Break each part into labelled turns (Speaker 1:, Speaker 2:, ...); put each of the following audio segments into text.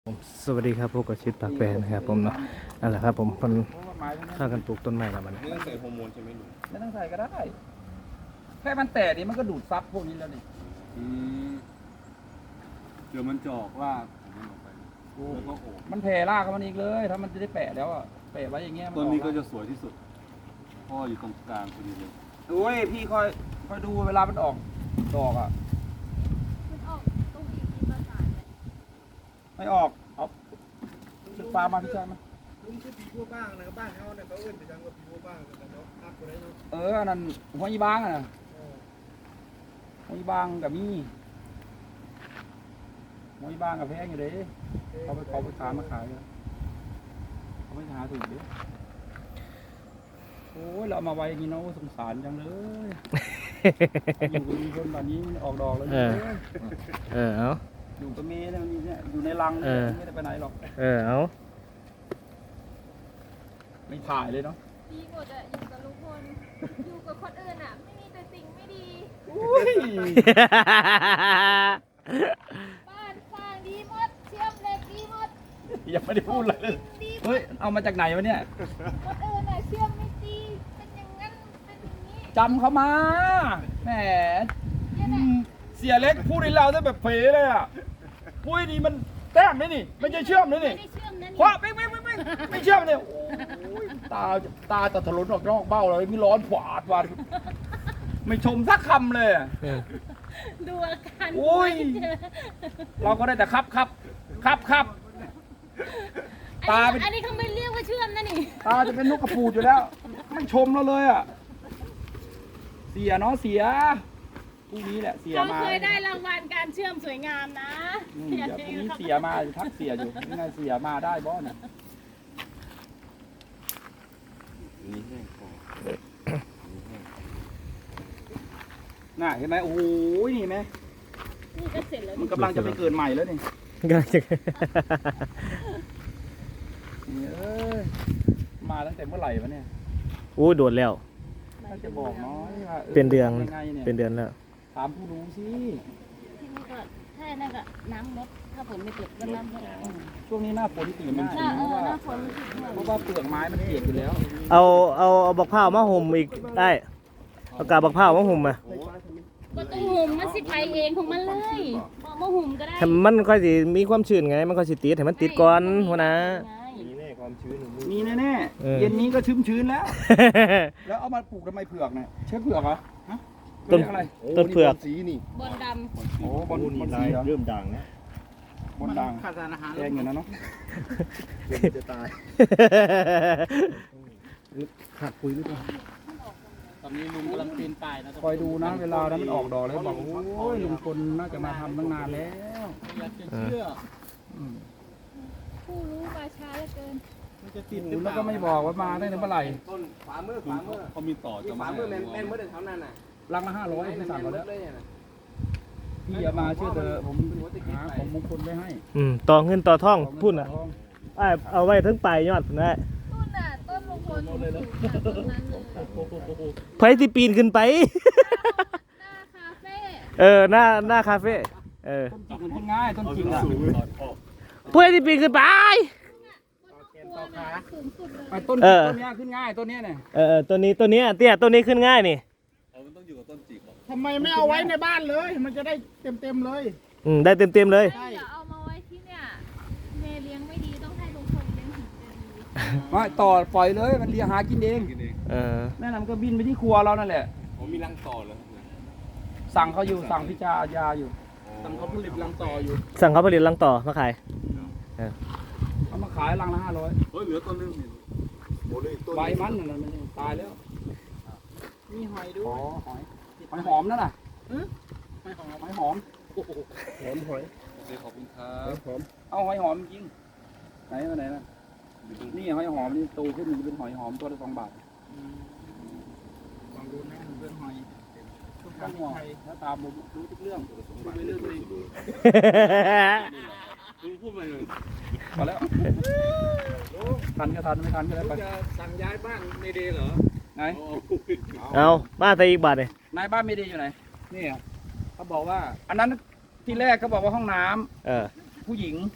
Speaker 1: ผมสวัสดีครับพวกกับชิดปากแปรนะครับผมเนาะนั่นแหละครับผมคนข้ากันปลูกต้นไม้แล้วมัน
Speaker 2: ไม่ต้องใส่ฮอร์โมนใช่ไหมลุง
Speaker 3: ไม่ต้องใส่ก็ได้ แค่มันแตกนี่มันก็ดูดซับพวกนี้แล้วนี่
Speaker 2: อืมเดี๋ยวมันจะออกรากของมันออกไปแล้วก็โอบ
Speaker 3: มันแผ่รากของมันอีกเลย ถ้ามันจะได้แปะแล้วอ่ะแปะไว้อย่างเงี้ย
Speaker 2: ต้นนี้ก็จะสวยที่สุดเพ่ออยู่ตรงกลางพอดีเลย
Speaker 3: โอ้ยพี่คอยดูเวลามันออกดอกอ่ะ
Speaker 4: มันออกตรงอีกทีประสานเลย
Speaker 3: ไม่ออกเอาชุดฟ้ามาพี่ชายมา
Speaker 5: ลุงชื่อปีพัวบ้างนะครับบ้านเขาเนี่ยเขาเอื้นไปทางว่าปีพัวบ้างแต่เนาะภาพตัวไหนเนาะ
Speaker 3: อันนั้นหัวอีบางอ่ะนะหัวอีบางกับมีหัวอีบางกับแพงอยู่เด้เขาไปขายมาขายเลยเขาไม่หาถูกเด้โอ้ยเราเอามาไว้อย่างนี้เนาะสงสารจังเลย อยู่กับลุงพลแบบนี้มันออกดอกแล้วเนี่ย
Speaker 1: เอา
Speaker 3: อยู่กับเมย์เนี่ยอยู่ในรัง
Speaker 1: เออ
Speaker 3: ไม่ได้ไปไหนหรอก
Speaker 1: เอา
Speaker 3: ไม่ถ่ายเลยเนาะ
Speaker 4: ดีหมดอะอยู่กับลุงพลอยู่กับคนอื่นอะไม่มีแต่สิ่งไม่ดี
Speaker 3: อุ้ย
Speaker 4: บ้านสร้างดีหมดเชื่อมเหล็กดีหมด
Speaker 3: ยังไม่ได้พูดเลย
Speaker 4: ดีหม
Speaker 3: เฮ้ย
Speaker 4: ด
Speaker 3: เอามาจากไหนวะเนี่ย
Speaker 4: คนอื่นอะเชื่อมไม่ดีเป็นอย่างนั้นเป็นอย่างนี้
Speaker 3: จำเขามาแหม
Speaker 4: เนี่ยแหละ
Speaker 3: เสียเล็กพูดให้เราได้แบบเผลเลยอ่ะปุ้ยนี่มันแต้มไหมนี่ไม่ใช่เชื่อมนะ
Speaker 4: ไม่
Speaker 3: นี่
Speaker 4: ได้เชื่อมนะ
Speaker 3: คว้าไม่เชื่อมเนี่ยโอ้ยตาถลนออกนอกเบ้าเลยมีร้อนผวาดวันไม่ชมสักคำเลยอะ
Speaker 4: ดูอาการ
Speaker 3: โอ้ย เราก็ได้แต่ครับตาเป็น
Speaker 4: อันนี้เขาไม่เรียกว่าเชื่อมนะนี่
Speaker 3: ตาจะเป็นนกกระปูดอยู่แล้ว ไม่ชมเราเลยอ่ะ เสียเนาะเสียพรุ่งนี้แหละเสีย
Speaker 4: เขา
Speaker 3: มา
Speaker 4: เคยได้รางวัลการเชื่อมสวยงามนะ
Speaker 3: เดี๋ยวพรุ่งนี้เสียมาทักเสียอยู่ยังไงเสียมาได้บ่เนี่ย
Speaker 2: นี่แห้งพอนี่แห้ง
Speaker 3: น่ะเห็นไหมโอ้โหนี่เห็นไหม
Speaker 4: นี่ก็เสร็จแล้ว
Speaker 3: มันกำลังจะไปเกิดใหม่แล้วนี่
Speaker 1: ก็จะ
Speaker 3: นี่เอ้ยมาตั้งแต่เมื่อไหร่วะเนี่ย
Speaker 1: อู้โดดแล้ว
Speaker 3: ถ้าจะบอกน้อยว่า
Speaker 1: เป็นเดือน
Speaker 3: ทำยังไงเนี่ย
Speaker 1: เป็นเดือนแล้ว
Speaker 3: ถามผู้รู้สิ
Speaker 4: ที่นี่ก็ถ้านั่นก็น้ำลดถ้าฝนไม่ตกก็น้ำลด
Speaker 3: ช่วงนี้หน้าฝนตีมาก
Speaker 4: หน้า
Speaker 3: เพราะว่า
Speaker 4: หน้าฝน
Speaker 3: เพราะว่าเปลือกไม้มันเปียกอยู่แล้ว
Speaker 1: เอาบักพร้าวมาห่มอีกได้เอากาบบักพร้าวมาห่มมา
Speaker 4: ก็ต้องหุ่มมันสิไปเองของมันเลยบอกมาหุ่มก็ได้
Speaker 1: ให้มันค่อยสิมีความชื้นไง มันค่อยสิติดให้มันติดก่อนหัวนะ
Speaker 2: นี่แน่ความชื้นของมือ
Speaker 3: มีแน่
Speaker 1: เออ
Speaker 3: ๆเย็นนี้ก็ชื้นๆแล้ว แล้วเอามาปลูกทำไมเผือกเนี่ยใช่เผือกเหรอฮะ
Speaker 1: ต้น
Speaker 3: เรียกอะไร
Speaker 1: ต้นเผือก
Speaker 2: สีนี่
Speaker 4: บนด
Speaker 3: โอ้บอล
Speaker 2: นี่
Speaker 3: บอล
Speaker 2: ลา
Speaker 3: สี
Speaker 2: ย
Speaker 3: เหรอ
Speaker 2: เริ่มด่างนะ
Speaker 3: บอลด่าง
Speaker 5: ขาดสารอาหาร
Speaker 3: แดงอยู่นะเนาะ
Speaker 2: เริ่มจะตายขาดคุยหรือเปล่า
Speaker 5: ตอนนี้ลุงกำลังปีนป่ายนะ
Speaker 3: คอยดูนะเวลานั้นมันออกดอกแล้วบอกโอ้ยลุงพลน่าจะมาทำตั้งนานแล้ว
Speaker 5: อยากจะเชื่อ
Speaker 3: อืม
Speaker 4: ำผู้รู้มาช้าเหลือเกิน
Speaker 5: มันจะติด
Speaker 3: โอ้แล้วก็ไม่บอกว่ามาได้ในเมื่อไหร่
Speaker 5: ต้นฝามือ
Speaker 2: ลุงเขามีต่อจะมาให้
Speaker 5: แม่นเมื่อเดือนเท่านั้นน่ะ
Speaker 3: รังละ500ไม่สั่งเขาแล้ว
Speaker 5: เลยน่ะ
Speaker 3: พี่อย่ามาเชื่อเถอะผมหาของมงคลไว้ให้
Speaker 1: ต่อเงินต่อท่อง
Speaker 3: ของเงิน
Speaker 1: พูดน่ะ
Speaker 3: ทอง
Speaker 1: เอาไว้ทั้งปลายยอดนะ
Speaker 4: ต้นน่ะต้นลุงพลเลยแล้วต้นนั้นเลย
Speaker 1: ไผที่ปีนขึ้นไป
Speaker 4: หน้าคาเฟ่
Speaker 1: หน้าคาเฟ่
Speaker 3: ต้นจริงมันขึ้นง่ายต้นจริงอ่ะ
Speaker 1: เพื่อที่ปีนขึ้นไป
Speaker 4: ตัวน่ะสูงสุดเลย
Speaker 3: ไอ้ต้น
Speaker 1: เออ
Speaker 3: ต้นเนี้ยขึ้นง่ายต้นเนี้ยเนี่ย
Speaker 1: ตัวนี้เตี้ยตัวนี้ขึ้นง่ายนี่
Speaker 2: มันต้องอยู่กับต้นจิกเหรอ
Speaker 5: ทำไมไม่เอาไว้ในบ้านเลย มันจะได้เต็มเลย
Speaker 1: ได้เต็มเลย
Speaker 4: เดี๋ยวเอามาไว้ที่เนี่ยเมย์เลี้ยงไม่ดีต้องให้ลุงพลเลี้ยงถึงจะดี
Speaker 3: ไม่ต่อปล่อยเลยมันเลี้ยงหากินเอง
Speaker 2: กินเอง
Speaker 3: แม่นำก็บินไปที่ครัวเรานั่นแหละ
Speaker 2: ผมมีรังต่อแล้ว
Speaker 3: สั่งเขาอยู่สั่งพิจารยาอยู่
Speaker 5: ทำเขาผลิตรังต่ออยู่
Speaker 1: สั่งเขาผลิตรังต่อมาขาย
Speaker 3: เอามาขายรังละ500
Speaker 2: เฮ้ยเหลือต้นนึงนี่โอ้เลยต้น
Speaker 3: ใบมันนั่นน่ะมันตายแล้ว
Speaker 5: มีหอยด้
Speaker 3: อ๋
Speaker 5: ว
Speaker 3: อย หอยหอมนั่นน่ะ
Speaker 5: ไม่หอม
Speaker 3: หอยหอม
Speaker 2: โอเคขอบคุณครับ
Speaker 3: เอาหอยหอมจริงไหนมาไหนนะนี่หอยหอมนี่โตขึ้นมันจะเป็นหอยหอมตัวละ2 บาท
Speaker 5: ลองดูนะเรื่องหอยทุก
Speaker 3: ต้
Speaker 5: ท่าน น
Speaker 3: หัว
Speaker 5: ไทย
Speaker 3: ถ้าตามผมรู้ทุกเรื่อง
Speaker 5: ไปเรื่องเลย
Speaker 2: ลุงพูดมาเลย
Speaker 3: พอแล้วทันก็ทันไม่ทันก็ได้ไป
Speaker 5: จะสั่งย้ายบ้านเมเดย์เหรอ
Speaker 3: ไหน
Speaker 1: เอามาแต่อีกบาทเลย
Speaker 3: นายบ้านไม่ดีอยู่ไหนนี่อะเขาบอกว่า อันนั้นที่แรกเขาบอกว่าห้องน้ำผู้หญิง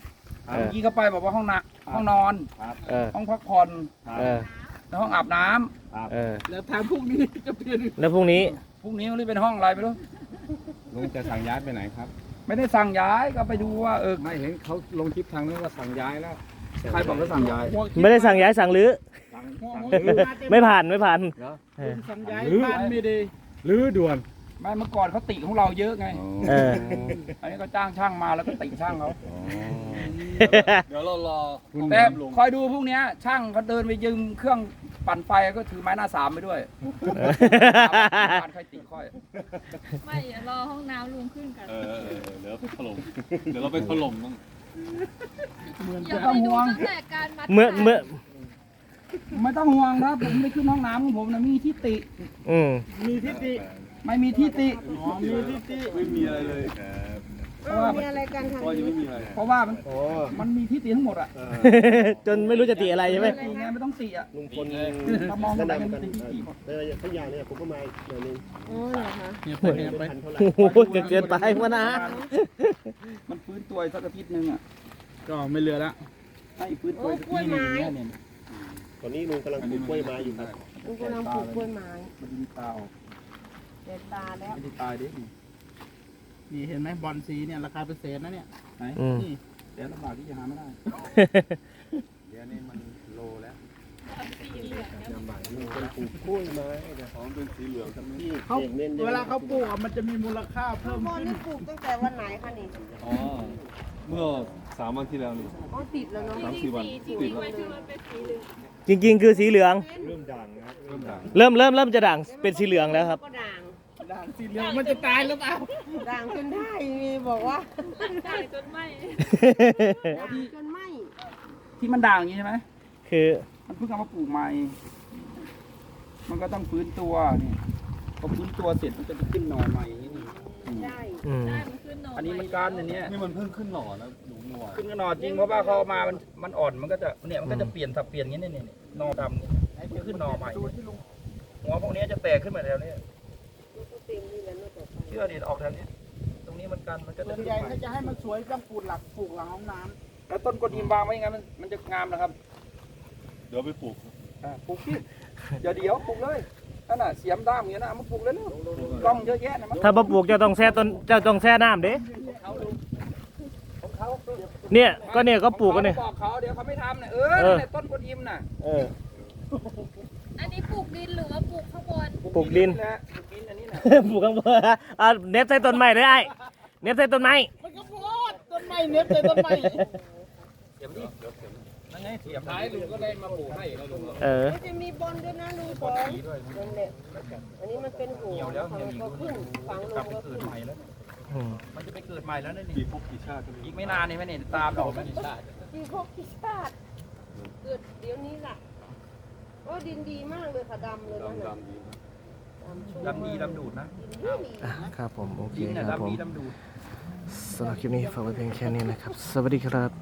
Speaker 1: เออ
Speaker 3: เมื่อกี้เข้าไปบอกว่าห้องนอน
Speaker 1: เออ
Speaker 3: ห้องพักผ่อน
Speaker 1: เออ
Speaker 3: แล้วห้องอาบน้ำ
Speaker 1: เออ
Speaker 5: แล้วทางพวกนี้จะเปลี่ยน
Speaker 1: แล้วพรุ่งนี้
Speaker 3: พรุ่งนี้มันเป็นห้องอะไรไม่รู้
Speaker 2: ลุงจะสั่งย้ายไปไหนครับ
Speaker 3: ไม่ได้สั่งย้ายก็ไปดูว่า
Speaker 2: ไม่เห็นเขาลงคลิปทางนู้นว่าสั่งย้ายแล้ว
Speaker 3: ใครบอกว่าสั่งย้าย
Speaker 1: ไม่ได้สั่งย้ายสั่งรื้อ
Speaker 2: สั่ง
Speaker 1: ไม่ผ่านไม่ผ่าน
Speaker 2: เหรอ
Speaker 1: เออ
Speaker 5: สัญญาบ้านไม่ดี
Speaker 2: ลื้อด่วน
Speaker 3: ไม่เมื่อก่อนเขาติของเราเยอะไง
Speaker 1: เออ
Speaker 3: อันนี้ก็จ้างช่างมาแล้วก็ติช่างเขา
Speaker 2: เดี๋ยวเรารอคุณ
Speaker 3: แต่
Speaker 2: ลง
Speaker 3: คอยดูพวกเนี้ยช่างเขาเดินไปยืมเครื่องปั่นไฟก็ถือไม้หน้าสามไปด้วยการใครติค่อย
Speaker 4: ไม่เดี๋ยวรอห้องน้ำลุงขึ้นกัน
Speaker 2: เดี๋ยวไปถล่มเดี๋ยวเราไปถล่มต้อง
Speaker 4: อย่าไปดูตั้งแต่การมัด
Speaker 1: เมื่อ
Speaker 3: ไม่ต้องห่วงนะผมไม่ขึ้นห้องน้ำของผมนะมีที่ติ
Speaker 1: อืม
Speaker 5: มีทิฏฐิ
Speaker 3: ไม่มีที่ติ
Speaker 5: อ๋อมีทิฏฐิ
Speaker 2: ไม่มีอะไรเลยครับ
Speaker 3: เพราะว่า
Speaker 6: มีอะไรกันทาง
Speaker 2: ก็ยัง
Speaker 6: นี้
Speaker 2: ไม่มีอะไร
Speaker 3: เพราะว่ามันมีที่ติทั้งหมดอ่ะ
Speaker 1: จนไม่รู้จะติอะไรใช่ไหม
Speaker 3: ติไงไม่ต้องติอ่ะ
Speaker 5: ลุงพล
Speaker 3: ถ้ามองไปมันมีที่ติหมด
Speaker 5: ในทุกอย่างเนี่ยผมก็มาหน่อยนึง
Speaker 6: อ๋อเหรอคะ
Speaker 5: พันเท่าไหร่
Speaker 1: โอ้โหเกินไปมานะ
Speaker 3: มันฟื้นตัวอีกสักอาทิตย์นึงอ่ะ
Speaker 5: ก็ไม่เหลือละ
Speaker 3: ให้ฟื้นตัวอีกสักทีนึงอย่างเงี้ยเนี่ย
Speaker 5: ตอนนี้ลุงกำลังปลูกกล้วยไม้อยู่ครับ
Speaker 6: ลุงกำลังปลูกกล้วยไม้
Speaker 3: มันมีตาออก
Speaker 6: เด็ดตาแล้ว
Speaker 3: ไม่ได้ตายดิ
Speaker 5: นี่เห็นไหมบอลสีเนี่ยราคาเป็นแสนนะเนี่ย
Speaker 3: ไหน
Speaker 1: อืม
Speaker 5: นี่
Speaker 3: แต่ลำบากที่จะหาไม่ได้
Speaker 2: เดี๋ยวนี้มันโลแล้ว
Speaker 5: ลำบากลุงคนปลูกกล้วยไม้นะ
Speaker 2: ของเป็นสีเหลืองใช่ไหม
Speaker 5: ที่เน้นเวลาเขาปลูกอะมันจะมีมูลค่าเพิ่ม
Speaker 6: บอล
Speaker 5: ขึ้น
Speaker 6: นี่ปลูกตั้งแต่วันไหนคะนี่
Speaker 2: อ๋อเมื่อ3 วันที่แล้วนี่
Speaker 6: อ๋อติดแล้วเนาะ
Speaker 2: 3-4 วัน
Speaker 4: จริงๆไว้คือมันเป็นสีเหลือง
Speaker 1: จริงๆคือสีเหลือง
Speaker 5: เริ่มด่างนะครับ
Speaker 2: เริ่มด่าง
Speaker 1: เริ่มจะด่างเป็นสีเหลืองแล้วครับ
Speaker 6: ก็ด่าง
Speaker 5: ด่างสีเหลืองมันจะตายหรือเปล่า
Speaker 6: ด่างจนได้มีบอกว่า
Speaker 4: ได้จนไหม
Speaker 6: ด่างจนไหม
Speaker 3: ที่มันด่างอย่างนี้ใช่ไหม
Speaker 1: คือ
Speaker 3: มันเพิ่งเอามาปลูกใหม่ มันก็ต้องฟื้นตัวนี่พอฟื้นตัวเสร็จมันจะไปขึ้นหน่อใหม่อย่างนี้นี่
Speaker 6: ได้
Speaker 1: อืม
Speaker 4: ได้มันขึ้นหน่อ
Speaker 3: อันนี้มันการอันเนี้ย
Speaker 2: นี่มันเพิ่งขึ้นหน่อแล้วหนูเมื่อวาน
Speaker 3: ขึ้นหน่อจริงเพราะว่าเขาเอามามันอ่อนมันก็จะเนี่ยมันก็จะเปลี่ยนสับเปลี่ยนอย่างนี้เนี่ยหน่อดำเนี่ยมันขึ้นหน่อใหม่หัวพวกนี้จะแตกขึ้นมาแล้วเนี่ย
Speaker 6: เต็มนี่แหละเนาะต่อไป
Speaker 3: เชื่อดิออกทางนี้ตรงนี้มันกันมันก็
Speaker 5: ส่
Speaker 3: จะ
Speaker 5: วน
Speaker 3: ขึ้น
Speaker 5: ใหญ่
Speaker 3: ใหม่
Speaker 5: ถ้าจะให้มันสวยต้องปลูกหลังห้องน้
Speaker 3: แล้วต้นกระดิมวางไว้อยังไงมันจะงามนะครับ
Speaker 2: เดี๋ยวไปปลูก
Speaker 3: ปลูกพี่เดี๋ยวปลูกเลยนั่นน่ะเสียมด้ามอย่างนี้นะเอามาปลูกเลยเร็วกล้องเยอะแยะนะมัน
Speaker 1: ถ้าบ่ปลูกเจะต้องแช่ต้นเจะต้องแช่น้ำเด้
Speaker 3: ของเขา
Speaker 1: เนี่ยก็ปลูกกันเนี่ย
Speaker 3: บอกเขาเดี๋ยวเขาไม่ทำเนี่ย
Speaker 1: เออ
Speaker 3: นั่นแหละต้นกระดิมน่ะ
Speaker 1: เออ
Speaker 4: อันนี้ปลูกดินหรือว่าปลูกข้างบน
Speaker 1: ปลูกดิน
Speaker 3: แหละปลูกดินอันนี้น่ะ
Speaker 1: ปลูกข้างบนเอาเน็บใส่ต้นไม้เลยไอ้เน็บใส่ต้นไม้
Speaker 5: ำมันก็โพดต้นไม้เน็บเลยต้นไม้
Speaker 3: เสียมดินั่นไงเสียม
Speaker 5: ท้ายลุงก็ได้มาปลูกให้แล้วลุง
Speaker 1: เออ
Speaker 6: ก็จะมีบอลด้วยนะลุงสองนั่นแหละอันนี้มันเป็นหัว
Speaker 3: เหี่ยวแล้ว
Speaker 6: ฝั่ง
Speaker 3: เหี่ยว
Speaker 6: ก็ขึ้นฝั่งล
Speaker 3: กลับ
Speaker 6: ง
Speaker 3: ไป
Speaker 6: ก็
Speaker 3: เกิ
Speaker 6: ขึ้
Speaker 3: ด
Speaker 6: น
Speaker 3: ใหม่แล้ว
Speaker 1: อืม
Speaker 3: มันจะไปเกิดใหม่แล้วนี่
Speaker 2: กี่ภพกี่ชาติก็ไม่
Speaker 3: อี
Speaker 2: รู้
Speaker 3: กไม่นานนี่ไหมเนี่ยตามดอกมันนี่
Speaker 6: กี่พวกกี่ชาติเกิดเดี๋ยวนี้ล่ะโอ้ดินดีมากเลยค่ะดำเลยนะ
Speaker 2: ดำๆดีนะ
Speaker 3: ดำดีดำดูดนะ
Speaker 6: ดินดี
Speaker 1: อ่ะครับผมโอเค
Speaker 3: ดินน่ะ
Speaker 1: ครับผ
Speaker 3: ดำ
Speaker 1: ม
Speaker 3: ดีดำดูด
Speaker 1: สำหรับคลิปนี้ฝากไว้เพียงแค่นี้นะครับ สวัสดีครับ